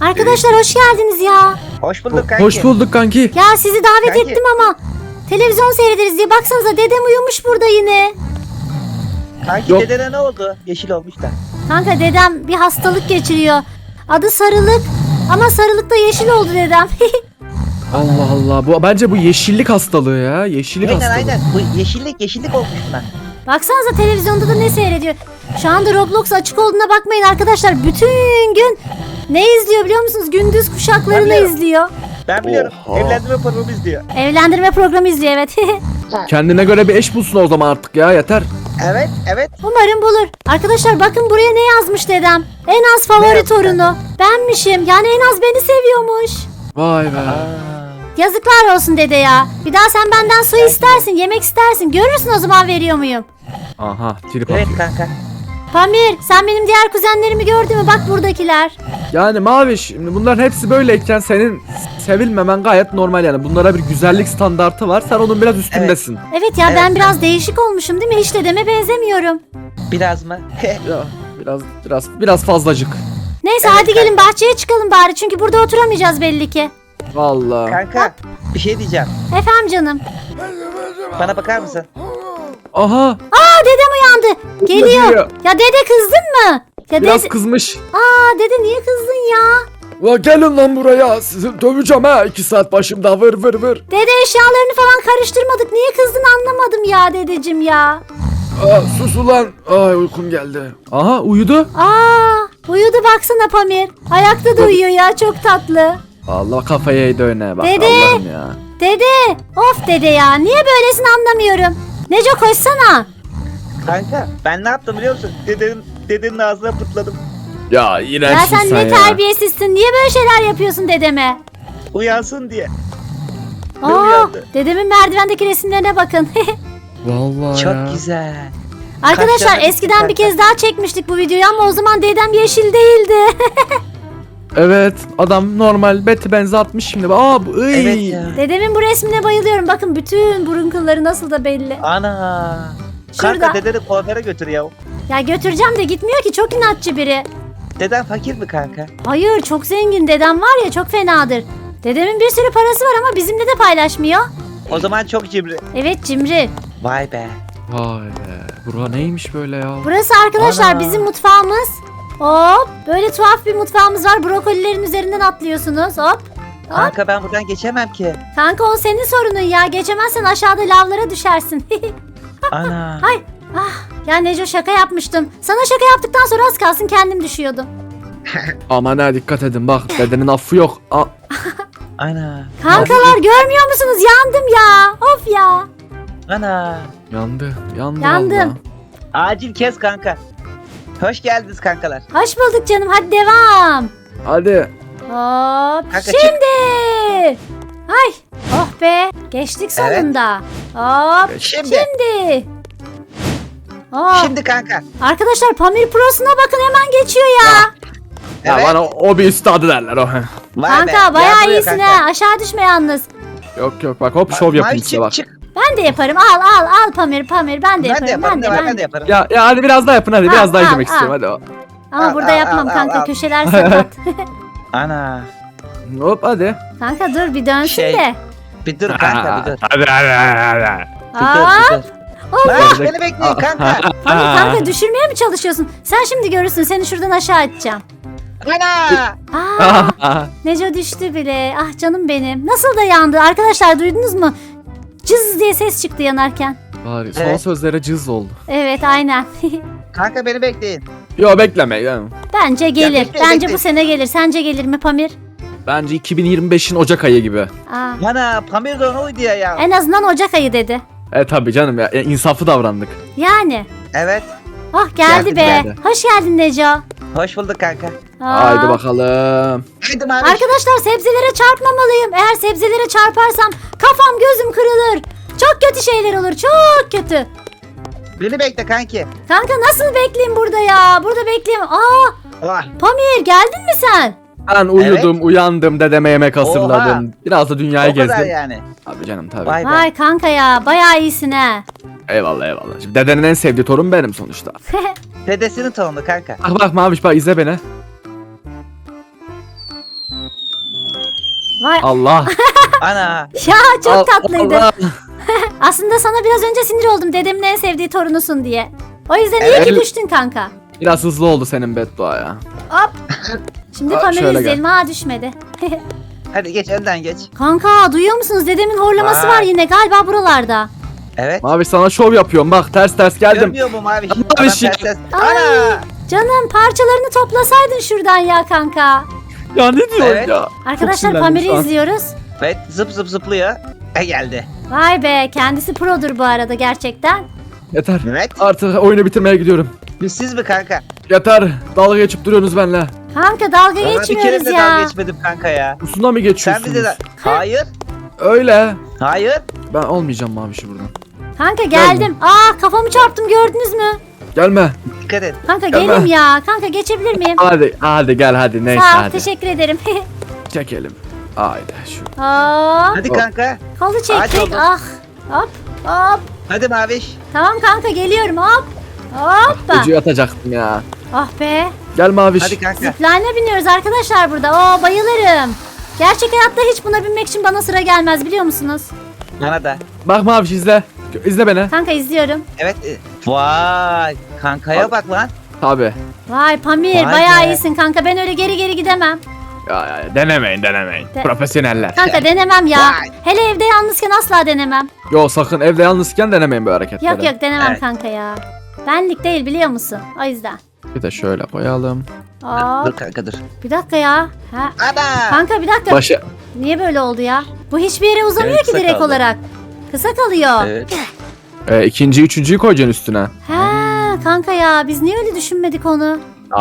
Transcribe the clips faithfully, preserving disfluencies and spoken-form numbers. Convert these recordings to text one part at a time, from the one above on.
Arkadaşlar hoş geldiniz ya. Hoş bulduk kanki. Hoş bulduk kanki. Ya sizi davet Kanki. ettim ama televizyon seyrederiz diye. Baksanıza dedem uyumuş burada yine. Kanki Yok. dedene ne oldu? Yeşil olmuş da. Kanka dedem bir hastalık geçiriyor. Adı sarılık ama sarılıkta yeşil oldu dedem. Allah Allah. Bu bence bu yeşillik hastalığı ya. Yeşillik Aynen hastalığı. aynen. Bu yeşillik yeşillik olmuş buna. Baksanıza televizyonda da ne seyrediyor. Şu anda Roblox açık olduğuna bakmayın arkadaşlar. Bütün gün ne izliyor biliyor musunuz? Gündüz kuşaklarını Ben biliyorum. izliyor. Ben biliyorum. Oha. Evlendirme programı izliyor. Evlendirme programı izliyor evet. Kendine göre bir eş bulsun o zaman artık ya, yeter. Evet evet. Umarım bulur. Arkadaşlar bakın buraya ne yazmış dedem. En az Ne favori yazmış torunu. Benmişim. Yani en az beni seviyormuş. Vay be. Aa. Yazıklar olsun dede ya. Bir daha sen benden su istersin, yemek istersin. Görürsün o zaman veriyor muyum? Aha, trip Evet atıyor. kanka. Pamir sen benim diğer kuzenlerimi gördün mü? Bak buradakiler. Yani Maviş, şimdi bunların hepsi böyleyken senin sevilmemen gayet normal yani. Bunlara bir güzellik standartı var. Sen onun biraz üstündesin. Evet ya Evet. ben biraz değişik olmuşum değil mi? Hiç dedeme benzemiyorum. Biraz mı? Ya biraz biraz biraz fazlacık. Neyse Evet, hadi gelin bahçeye çıkalım bari. Çünkü burada oturamayacağız belli ki. Vallahi. Kanka bir şey diyeceğim. Efendim canım. Bana bakar mısın? Aha, Aa dedem uyandı. Geliyor. Geliyor. Ya dede kızdın mı? Ya biraz dede... kızmış. Aa dede niye kızdın ya? La gelin lan buraya. Sizi döveceğim ha. iki saat başımda vır vır vır. Dede eşyalarını falan karıştırmadık. Niye kızdın anlamadım ya dedeciğim ya. Aa, sus ulan. Ay uykum geldi. Aha uyudu. Aa uyudu baksana Pamir. Ayakta da uyuyor ya çok tatlı. Allah kafayı yedi öne bak. Dede. Allah'ım ya. Dede of dede ya niye böylesin anlamıyorum. Neco koşsana. Kanka ben ne yaptım biliyor musun? Dedenin, dedenin ağzına pırtladım. Ya iğrençsin Ya sen sen ne ya. terbiyesizsin. Niye böyle şeyler yapıyorsun dedeme? Uyansın diye. Ne Aa, uyandı? dedemin merdivendeki resimlerine bakın. Vallahi Çok ya. güzel. Arkadaşlar Kaşlarına eskiden bir dikkat. kez daha çekmiştik bu videoyu ama o zaman dedem yeşil değildi. Evet, adam normal beti benzi atmış şimdi. Aa bu ıy. Evet ya. Dedemin bu resmine bayılıyorum. Bakın bütün burun kılları nasıl da belli. Ana. Şurada. Kanka dedeni kuaföre götür ya. Ya götüreceğim de gitmiyor ki çok inatçı biri. Deden fakir mi kanka? Hayır çok zengin dedem var ya çok fenadır. Dedemin bir sürü parası var ama bizimle de paylaşmıyor. O zaman çok cimri. Evet cimri. Vay be. Vay be. Bura neymiş böyle ya? Burası arkadaşlar Ana. bizim mutfağımız. Hop böyle tuhaf bir mutfağımız var. Brokolilerin üzerinden atlıyorsunuz. Hop. Hop. Kanka ben buradan geçemem ki. Kanka o senin sorunun ya. Geçemezsen aşağıda lavlara düşersin. Ana. Ay. Ah. Ya Neco şaka yapmıştım. Sana şaka yaptıktan sonra az kalsın kendim düşüyordum. Aman ha dikkat edin bak dedenin affı yok. Aa, Ana. Kankalar görmüyor musunuz? Yandım ya. Of ya. Ana. yandı. Yandı Yandım. vallahi. Acil kes kanka. Hoş geldiniz kankalar. Hoş bulduk canım. Hadi devam. Hadi. Hop. Kanka, çık. Şimdi. Ay. Oh be. Geçtik Evet. sonunda. Hop. Şimdi. Şimdi. Hop. Şimdi kanka. Arkadaşlar Pamir Pro'suna bakın hemen geçiyor ya. Ya Evet. bana o bir üstadı derler o. Vay Kanka be, bayağı yardırıyor iyisin kanka. ha. Aşağı düşme yalnız. Yok yok bak hop şov Mavi yapayım çık, size bak. çık. Ben de yaparım. Al al al Pamir Pamir. Ben de Ben de yaparım. yaparım. Ben de, ben de yaparım. Ya ya hadi biraz daha yapın hadi Al, biraz daha al, izlemek al. istiyorum hadi. Ama Al, burada al, yapmam al, kanka. al. Köşeler sakat. Ana. Hop hadi. Kanka dur bir dönsün Şey, de. Bir dur kanka bir dur. Hadi hadi hadi. Bir dur Aa, bir dur. Allah. Lan beni bekleyin kanka. Pamir kanka düşürmeye mi çalışıyorsun? Sen şimdi görürsün. Seni şuradan aşağı atacağım. Ana. Aa, Neco düştü bile. Ah canım benim. Nasıl da yandı. Arkadaşlar duydunuz mu? Cız diye ses çıktı yanarken. Var son Evet. sözlere cız oldu. Evet aynen. Kanka beni bekleyin. Yo bekleme yani. Bence gelir. bekle, Bence bekle. bu sene gelir. Sence gelir mi Pamir? Bence iki bin yirmi beşin Ocak ayı gibi. Aa, Ana Pamir de ona uydu ya ya. en azından Ocak ayı dedi. E tabi canım ya e, insaflı davrandık. Yani. Evet. Oh geldi Geldi, be. geldi. Hoş geldin Neco. Hoş bulduk kanka. Aa. Haydi bakalım. Haydi mavi. Arkadaşlar sebzelere çarpmamalıyım. Eğer sebzelere çarparsam kafam gözüm kırılır. Çok kötü şeyler olur. Çok kötü. Beni bekle kanki. Kanka nasıl bekleyeyim burada ya? Burada bekleyeyim. Aa, Ah. Pamir geldin mi sen? Ben uyudum, uyandım, dedeme yemek hazırladım. Oha. Biraz da dünyayı O kadar gezdim. yani. Tabii canım tabii. Vay be. Vay kanka ya bayağı iyisin ha. Eyvallah eyvallah. Şimdi dedenin en sevdiği torun benim sonuçta. Dedesinin torunu kanka. Bak bak Maviş bak izle beni. Vay Allah. Ana. ya çok Al- tatlıydı. Allah. Aslında sana biraz önce sinir oldum dedemin en sevdiği torunusun diye. O yüzden iyi Evet. ki düştün kanka. Biraz hızlı oldu senin beddua ya. Hop. Şimdi Aa, Pamir'i şöyle izleyelim. Aa düşmedi. Hadi geç önden geç. Kanka duyuyor musunuz? Dedemin horlaması Vay. var yine galiba buralarda. Evet. Maviş sana şov yapıyorum bak ters ters geldim. Görmüyor mu Maviş? Maviş Adam ya. ters ters. Ay. Ana. Canım parçalarını toplasaydın şuradan ya kanka. Ya ne diyorsun Evet. ya? Arkadaşlar sinirlendim Pamir'i şu an. izliyoruz. Evet zıp zıp zıplıyor. E geldi. Vay be kendisi produr bu arada gerçekten. Yeter. Evet. Artık oyunu bitirmeye gidiyorum. Siz mi kanka? Yeter. Dalga geçip duruyorsunuz benimle. Kanka dalga Bana bir kere geçmiyoruz de ya. dalga geçmedim kanka ya. Usuna mı Sen geçiyorsunuz? bize de... Hayır. Öyle. Hayır. Ben olmayacağım Maviş'i buradan. Kanka geldim. Aa kafamı çarptım gördünüz mü? Gelme. Dikkat et. Kanka Gelme. gelim ya. Kanka geçebilir miyim? Hadi hadi gel hadi neyse Sağ ol hadi. teşekkür ederim. Çekelim. Haydi şu. Aa, Hadi Hop. kanka. kolu Hadi çektik. oğlum. Ah. Hop hop. Hadi Maviş. Tamam kanka geliyorum hop. Hoppa. Ucu atacaktım ya. Ah be. Gel Maviş. Hadi kanka. Zipline'e biniyoruz arkadaşlar burada. Oo bayılırım. Gerçek hayatta hiç buna binmek için bana sıra gelmez biliyor musunuz? Bana da. Bak Maviş izle. İzle beni. Kanka izliyorum. Evet. e, Vay. Kankaya Abi. bak lan. Tabi. Vay Pamir Vay bayağı be. iyisin kanka. Ben öyle geri geri gidemem. Ya, ya denemeyin denemeyin. De- Profesyoneller. Kanka denemem ya. Vay. Hele evde yalnızken asla denemem. Yo sakın evde yalnızken denemeyin bu hareketleri. Yok yok denemem Evet. kanka ya. Benlik değil biliyor musun? O yüzden. Bir de şöyle koyalım. Aa, Dur kanka dur. bir dakika ya. Ha. Ana. Kanka bir dakika. Başı. Niye böyle oldu ya? Bu hiçbir yere uzamıyor Evet, ki kısa direkt kaldı. olarak. Kısa kalıyor. Evet. E, ikinci, üçüncüyü koyacaksın üstüne. Ha kanka ya biz niye öyle düşünmedik onu?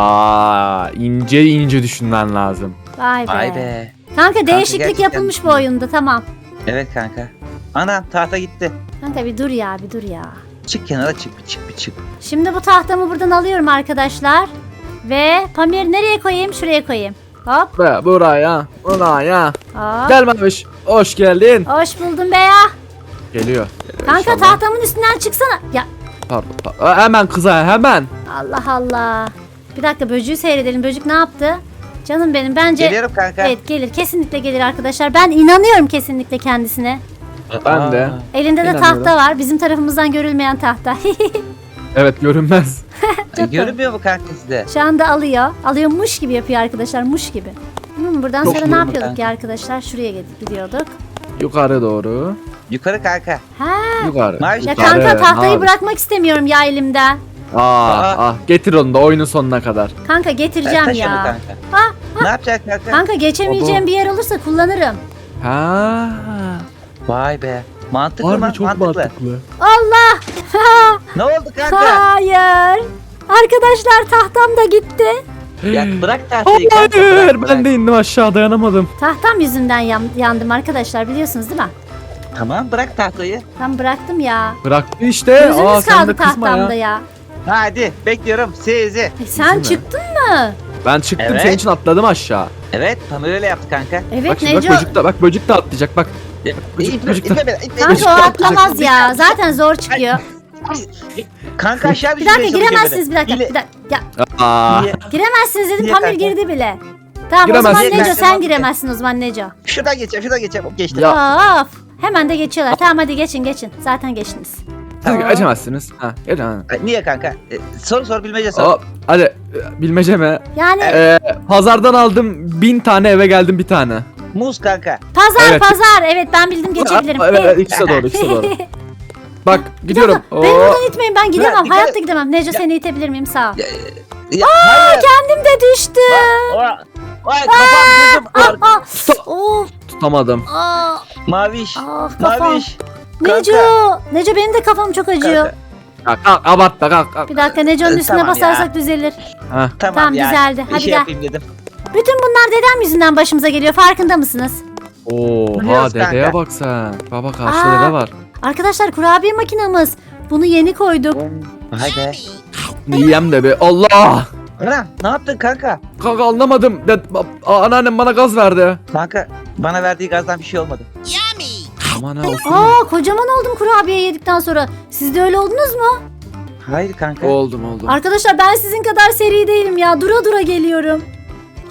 Aa, ince ince düşünmen lazım. Vay be. Vay be. Kanka değişiklik gerçekten- yapılmış bu oyunda tamam. Evet kanka. Anam tahta gitti. Kanka bir dur ya bir dur ya. Çık kenara çık bir çık bir çık. Şimdi bu tahtamı buradan alıyorum arkadaşlar. Ve Pamir nereye koyayım? Şuraya koyayım. Hop Ve buraya, buraya. hop. Gel Maviş. Hoş geldin. Hoş buldum be ya. Geliyor. Kanka İnşallah. tahtamın üstünden çıksana. Ya Pardon, pardon. Aa, hemen kıza hemen. Allah Allah. Bir dakika böcüğü seyredelim. Böcük ne yaptı? Canım benim bence... Geliyorum kanka. Evet gelir kesinlikle gelir arkadaşlar. Ben inanıyorum kesinlikle kendisine. Ben de. Elinde de İnanıyorum. tahta var. Bizim tarafımızdan görülmeyen tahta. Evet görünmez. E, görünmüyor mu kanka sizde? Şu anda alıyor. Alıyor muş gibi yapıyor arkadaşlar. Muş gibi. Hmm, buradan Çok sonra iyi ne oldu yapıyorduk kanka. ya arkadaşlar? Şuraya gidip gidiyorduk. Yukarı doğru. Yukarı kanka. Ha. Yukarı. Maviş Ya yukarı. kanka tahtayı Maviş. bırakmak istemiyorum ya elimden. Aa, Aa. ah, getir onu da oyunun sonuna kadar. Kanka getireceğim Taş onu ya. kanka. Ha, Ne yapacak kanka? kanka geçemeyeceğim Baba. bir yer olursa kullanırım. Ha. Vay be. Mantıklı Harbi mı? çok Mantıklı. mantıklı. Allah! Ne oldu kanka? Hayır. Arkadaşlar tahtam da gitti. Ya bırak tahtayı kanka. Hayır, Bırak, ben bırak. de indim aşağı dayanamadım. Tahtam yüzünden yan- yandım arkadaşlar biliyorsunuz değil mi? Tamam bırak tahtayı. Ben bıraktım ya. Bıraktı işte. Aa, Gözünüz sen kaldı de kızma tahtamda ya. ya. Hadi bekliyorum sizi. E, sen mi? çıktın mı? Ben çıktım Evet. senin için atladım aşağı. Evet Pamir öyle yaptı kanka. Evet bak şimdi Neco. bak böcük de bak böcük de atlayacak bak. İtme, Böcük- itme beni, itme Kanka o beni. atlamaz ya. Zaten zor çıkıyor. Kanka aşağı Bir dakika düşürmeye çalışıyor giremezsiniz bir beni. dakika. Hile- Bir dakika. Ya, Aa. Niye? giremezsiniz dedim Niye Pamir kanka? girdi bile. Tamam o Giremezsin. zaman Neco Niye sen kanka? giremezsin o zaman Neco. Şuradan geçeceğim şuradan geçeceğim. Hop, geçtim. Ya. Of. Hemen de geçiyorlar. Tamam hadi geçin geçin. Zaten geçtiniz. Siz Tamam. geçemezsiniz. Ha, geçin. ha. Niye kanka? E, soru sor bilmece sor. Hop, hadi e, bilmece mi? Yani Ee, pazardan aldım bin tane eve geldim bir tane. Muz kanka. pazar Evet. pazar. Evet ben bildim geçebilirim. Aa, evet, evet ikisi de doğru ikisi de doğru. Bak Bir gidiyorum. dakika, Beni Oo. buradan itmeyin ben gidemem. dikkat Hayatta et. gidemem. Neco seni itebilir miyim? Sağ ol. Ya, ya, hayır. Kendim de düştüm. Vay, vay kafam gözüm var. Aa, of. Tutamadım. Aa, Maviş. ah kafam. Maviş. Neco. Neco benim de kafam çok acıyor. Kanka. Kalk kalk abartma kalk kalk. Bir dakika Neco'nun Ee, üstüne tamam basarsak ya. düzelir. Ha. Tamam, Tamam, ya. düzeldi. Bir Hadi şey gel. yapayım dedim. Bütün bunlar dedem yüzünden başımıza geliyor. Farkında mısınız? Oha Biliyoruz dedeye kanka. bak sen. Baba karşıda Aa. dede var. Arkadaşlar kurabiye makinamız. Bunu yeni koyduk. Vay be. Yiyem de be. Allah. Ana ne yaptın kanka? Kanka anlamadım. De, Aa, anneannem bana gaz verdi. Kanka bana verdiği gazdan bir şey olmadı. Aman ha olsun. Aa kocaman oldum kurabiye yedikten sonra. Siz de öyle oldunuz mu? Hayır kanka. Oldum oldum. Arkadaşlar ben sizin kadar seri değilim ya. Dura dura geliyorum.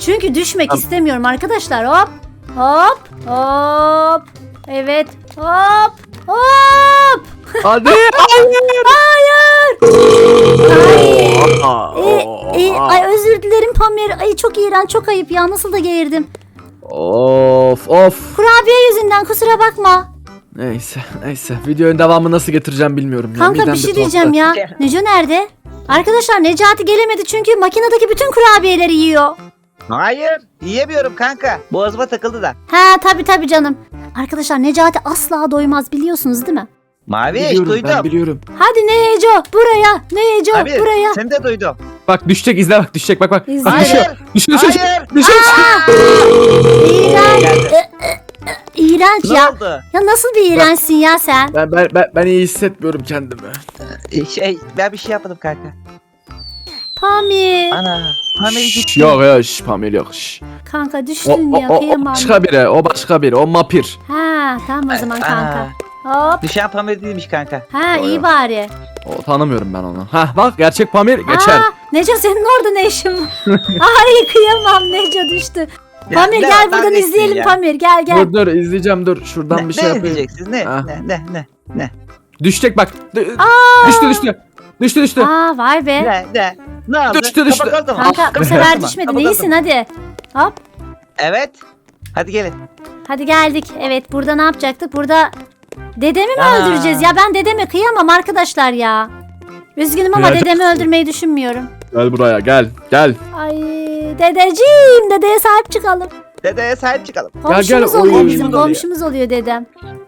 Çünkü düşmek Tamam. istemiyorum arkadaşlar. Hop. Hop. Hop. Evet. Hop. Hop. Hadi. Hayır. Ay. Aa, E, e, ay özür dilerim Pamir. Ay çok iğrenç, çok ayıp ya. Nasıl da geğirdim. Of of. Kurabiye yüzünden kusura bakma. Neyse neyse. Videonun devamı nasıl getireceğim bilmiyorum. ya. Kanka Midem bir şey tuhaf. diyeceğim ya. Neco nerede? Arkadaşlar Necati gelemedi çünkü makinedeki bütün kurabiyeleri yiyor. Hayır. Yiyemiyorum kanka. Boğazıma takıldı da. Ha tabi tabi canım. Arkadaşlar Necati asla doymaz biliyorsunuz değil mi? Mavi Biliyorum, ben duydum. biliyorum. Hadi Neco buraya. Neco Abi buraya. seni de duydum. Bak düşecek, izle bak, düşecek, bak bak. İzle. Bak düşüyor. Hayır. Düşüyor düşüyor. Hayır. Düşüyor. İğrenç. Geldi. Ee, e, e, İğrenç Ne ya. oldu? Ya nasıl bir iğrençsin ya sen? Ben, ben, ben, ben iyi hissetmiyorum kendimi. Şey ben bir şey yapmadım kanka. Pamir. Ana. Pamir Şş, gitti. yok yok şş, Pamir yok. Şş. Kanka O, düştün o, ya o, o kıyamam. başka biri, o başka biri, o mapir. Ha tamam o zaman kanka. Aa, Hop. düşen Pamir değilmiş kanka. Ha Yo, iyi yo. bari. O tanımıyorum ben onu. Hah bak, gerçek Pamir geçer. Aa, Neco senin orada ne işin var? Ay kıyamam Neco düştü. Ya, Pamir ne gel var, buradan neredesin izleyelim ya? Pamir gel gel. Dur dur izleyeceğim, dur. Şuradan Ne, bir şey ne yapayım. izleyeceksiniz? Ne? Ha. Ne? Ne? Ne? Ne? Düşecek bak. D- Aa. düştü düştü. Düştü düştü. Aa vay be. Ne? Ne? Ne oldu? Düştü, düştü. Kapak oldu mu? Kanka bu Kapak sefer oldu mu? düşmedi. Kapak Neysin oldu mu? hadi. Hop. Evet. Hadi gelin. Hadi geldik. Evet burada ne yapacaktık? Burada dedemi mi Aa. öldüreceğiz? Ya ben dedeme kıyamam arkadaşlar ya. Üzgünüm ama Kıyacaksın. dedemi öldürmeyi düşünmüyorum. Gel buraya, gel. Gel. Ay dedeciğim, dedeye sahip çıkalım. Dedeye sahip çıkalım. Komşumuz gel, oluyor oy. bizim, Komşumuz oluyor. komşumuz oluyor dedem.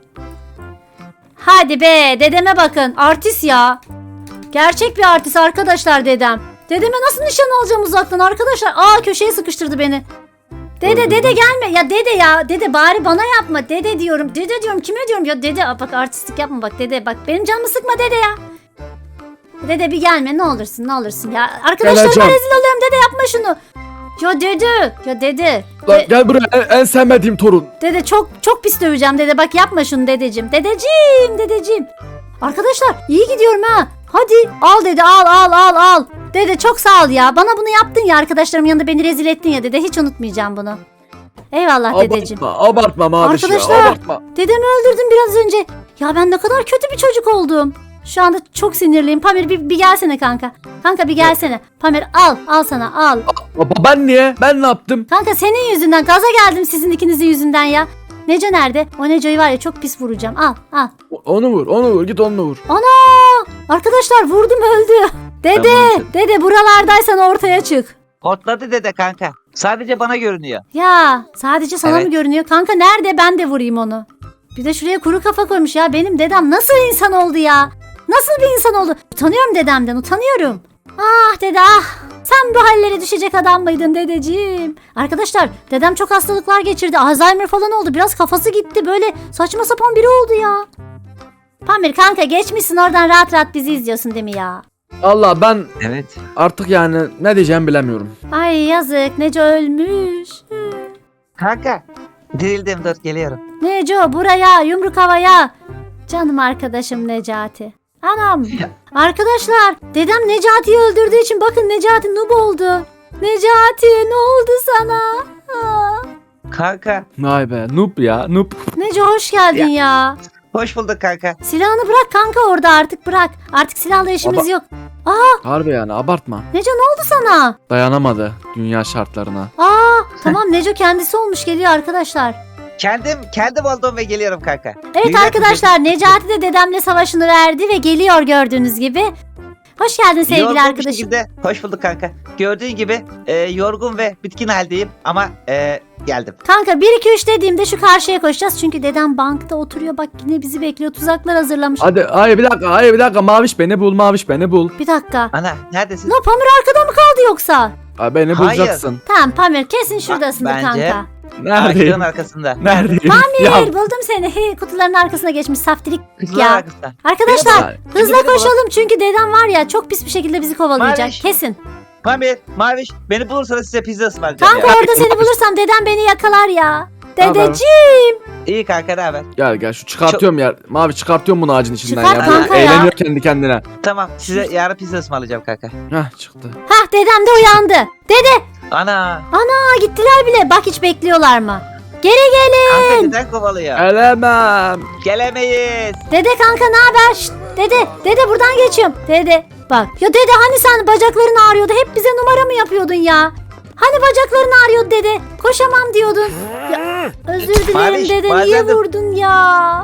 Hadi be, dedeme bakın. Artist ya. Gerçek bir artist arkadaşlar dedem. Dedeme nasıl nişan alacağım uzaktan arkadaşlar? Aa köşeye sıkıştırdı beni. Dede Öldürdüm. dede gelme. Ya dede ya. Dede bari bana yapma. Dede diyorum. Dede diyorum. Kime diyorum? Ya dede aa, bak artistlik yapma bak dede. Bak benim canımı sıkma dede ya. Dede bir gelme ne olursun ne olursun ya. Arkadaşlarıma Geleceğim. rezil oluyorum dede yapma şunu. Ya dede. Ya dede. Lan De- gel buraya, en, en sevmediğim torun. Dede çok çok pis döveceğim dede. Bak yapma şunu dedeciğim. Dedeciğim dedeciğim. Arkadaşlar iyi gidiyorum ha. Hadi al dede al al al al. Dede çok sağ ol ya. Bana bunu yaptın ya arkadaşlarımın yanında beni rezil ettin ya dede. Hiç unutmayacağım bunu. Eyvallah dedeciğim. Abartma, abartma Maviş ya, Arkadaşlar. abartma. Dedemi öldürdüm biraz önce. Ya ben ne kadar kötü bir çocuk oldum. Şu anda çok sinirliyim. Pamir bir, bir gelsene kanka. Kanka bir gelsene. Pamir al al sana al. Baba ben niye? Ben ne yaptım? Kanka senin yüzünden gaza geldim sizin ikinizin yüzünden ya. Neco nerede? O Neco'yu var ya çok pis vuracağım. Al al. Onu vur, onu vur, git onu vur. Ana! Arkadaşlar vurdum öldü. Dede, Ben dede buralardaysan ortaya çık. Hortladı dede kanka. Sadece bana görünüyor. Ya sadece sana Evet. mı görünüyor? Kanka nerede ben de vurayım onu. Bir de şuraya kuru kafa koymuş ya. Benim dedem nasıl insan oldu ya? Nasıl bir insan oldu? Utanıyorum dedemden utanıyorum. Ah dede ah. Sen bu hallere düşecek adam mıydın dedeciğim? Arkadaşlar dedem çok hastalıklar geçirdi. Alzheimer falan oldu. Biraz kafası gitti. Böyle saçma sapan biri oldu ya. Pamir kanka geçmişsin oradan rahat rahat bizi izliyorsun değil mi ya? Allah ben Evet. artık yani ne diyeceğimi bilemiyorum. Ay yazık Neco ölmüş. Hı. Kanka. Dirildim dur geliyorum. Neco buraya yumruk havaya. Canım arkadaşım Necati. Anam. Ya. Arkadaşlar dedem Necati'yi öldürdüğü için bakın Necati noob oldu. Necati ne oldu sana? Aa. Kanka. Vay be, noob ya, noob. Neco hoş geldin ya. Hoş bulduk kanka. Silahını bırak kanka orada artık bırak. Artık silahla işimiz Baba- yok. Aa Harbi yani, abartma. Neco ne oldu sana? Dayanamadı dünya şartlarına. Aa tamam Neco kendisi olmuş geliyor arkadaşlar. Kendim kendim oldum ve geliyorum kanka. Evet Dünya arkadaşlar Necati de dedemle savaşını verdi ve geliyor gördüğünüz gibi. Hoş geldin sevgili Yorgun bir arkadaşım. şekilde- hoş bulduk kanka. Gördüğün gibi e, yorgun ve bitkin haldeyim ama e, geldim. Kanka bir iki üç dediğimde şu karşıya koşacağız. Çünkü dedem bankta oturuyor. Bak yine bizi bekliyor. Tuzaklar hazırlamış. Hadi, hayır bir dakika, hayır bir dakika. Maviş beni bul, Maviş beni bul. Bir dakika. Ana neredesin? No Pamir arkada mı kaldı yoksa? Ay, beni Hayır. bulacaksın. Tamam Pamir kesin şuradasındır bence- kanka. Ağaçların Neredeyim? arkasında. Neredeyim? Pamir Ya, buldum seni. He, kutuların arkasına geçmiş saftirik. Kızlar Ya. arkasında. Arkadaşlar Benim- hızla Beni bul. koşalım. Çünkü dedem var ya çok pis bir şekilde bizi kovalayacak. Maviş. Kesin. Pamir, Maviş beni bulursanız size pizza ısmarlayacağım Kanka ya. orada seni bulursam dedem beni yakalar ya. Tamam. Dedeciğim. İyi kanka ne haber? Gel gel, şu çıkartıyorum ya. Mavi çıkartıyorum bunu ağacın içinden Çıkart ya. kanka Bu ya. Eğleniyor kendi kendine. Tamam size yarın pizza ısmarlayacağım kanka. Heh çıktı. Hah dedem de uyandı. Dede. Ana. Aa gittiler bile. Bak hiç bekliyorlar mı? Geri gelin. Kanka neden kovalıyor? Gelemem. Gelemeyiz. Dede kanka ne haber? Şşt, dede, dede buradan geçiyorum. Dede bak. Ya dede hani sen bacakların ağrıyordu. Hep bize numara mı yapıyordun ya? Hani bacakların ağrıyordu dede. Koşamam diyordun. Ya, özür dilerim Maviş, dede. bazen Niye de- vurdun ya?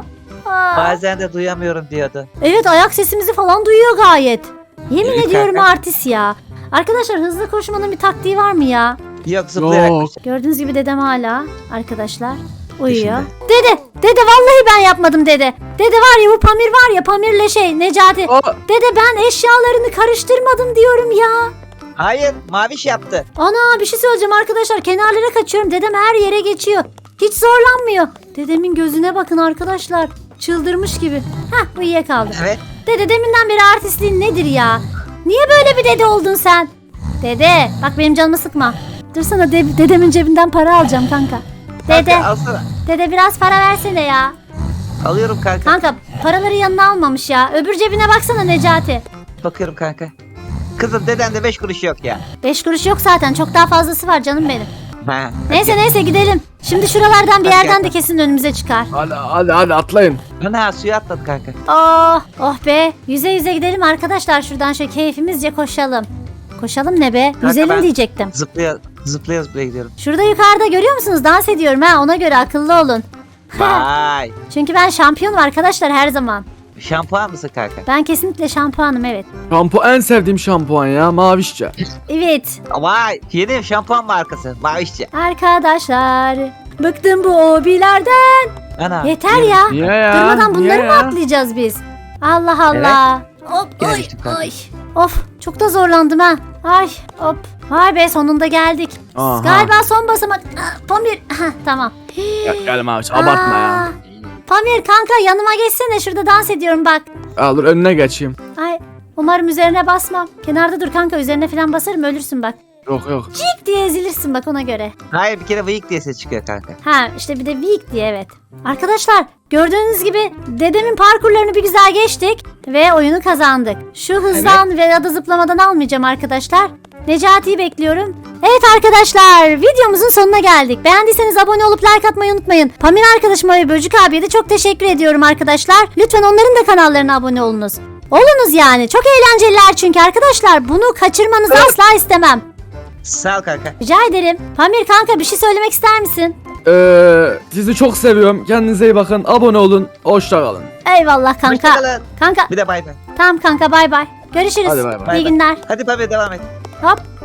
Aa. Bazen de duyamıyorum diyordu. Evet ayak sesimizi falan duyuyor gayet. Yemin İyi ediyorum kanka. artist ya. Arkadaşlar hızlı koşmanın bir taktiği var mı ya? Yok zıplayarak. Yok. koşacak. Gördüğünüz gibi dedem hala arkadaşlar uyuyor. Peşinde. Dede, dede vallahi ben yapmadım dede. Dede var ya bu Pamir var ya Pamir'le şey Necati. Aa, Dede ben eşyalarını karıştırmadım diyorum ya. Hayır maviş yaptı. Ana bir şey söyleyeceğim arkadaşlar kenarlara kaçıyorum. Dedem her yere geçiyor. Hiç zorlanmıyor. Dedemin gözüne bakın arkadaşlar. Çıldırmış gibi. Hah uyuyakaldı. Evet. Dede deminden beri artistliğin nedir ya? Niye böyle bir dede oldun sen? Dede bak benim canımı sıkma. Dursana de- dedemin cebinden para alacağım kanka. Dede, Kanka alsana. dede biraz para versene ya. Alıyorum kanka. Kanka paraları yanına almamış ya. Öbür cebine baksana Necati. Bakıyorum kanka. Kızım deden de beş kuruş yok ya. Beş kuruş yok zaten. Çok daha fazlası var canım benim. Ha. Neyse neyse gidelim. Şimdi şuralardan bir Hadi yerden gel. de kesin önümüze çıkar. hadi hadi hadi atlayın. Ana suya atladı kanka. Oh, oh be. Yüze yüze gidelim arkadaşlar. Şuradan şöyle keyfimizce koşalım. Koşalım ne be? Yüzelim ben- diyecektim. Zıplaya zıplaya zıplaya gidiyorum. Şurada yukarıda görüyor musunuz? Dans ediyorum ha. Ona göre akıllı olun. Vay. Çünkü ben şampiyonum arkadaşlar her zaman. Şampuan mısın kanka? Ben kesinlikle şampuanım evet. Şampuan en sevdiğim şampuan ya mavişçe. Evet. Vay. Yeni şampuan markası. Mavişçe. Arkadaşlar. Bıktım bu hobilerden. Ana. Yeter yeni- ya. Niye ya? Durmadan bunları Niye mı ya? atlayacağız biz? Allah Allah. Hop, Gene oy, düştüm kanka. oy. Of çok da zorlandım ha. Ay hop. Vay be sonunda geldik. Aha. Galiba son basamak. Ah, Pamir. Hah, tamam. Gel, gel maviş abartma ya. Aa, Pamir kanka yanıma geçsene şurada dans ediyorum bak. Al dur önüne geçeyim. Ay umarım üzerine basmam. Kenarda dur kanka üzerine falan basarım ölürsün bak. Yok yok. Cik diye ezilirsin bak ona göre. Hayır bir kere vıyık diye ses çıkıyor kanka. Ha işte bir de weak diye evet. Arkadaşlar gördüğünüz gibi dedemin parkurlarını bir güzel geçtik ve oyunu kazandık. Şu hızdan ve ya da zıplamadan almayacağım arkadaşlar. Necati'yi bekliyorum. Evet arkadaşlar videomuzun sonuna geldik. Beğendiyseniz abone olup like atmayı unutmayın. Pamir arkadaşıma ve Böcük abiye de çok teşekkür ediyorum arkadaşlar. Lütfen onların da kanallarına abone olunuz. Olunuz yani çok eğlenceliler çünkü arkadaşlar bunu kaçırmanızı asla istemem. Sağ ol kanka. Rica ederim. Pamir kanka bir şey söylemek ister misin? Ee, sizi çok seviyorum. Kendinize iyi bakın. Abone olun. Hoşça kalın. Eyvallah kanka. Hoşçakalın. Kanka Bir de bay bay. tamam kanka bay bay. Görüşürüz. Hadi bay bay. İyi günler. Hadi Pamir devam et. Hop.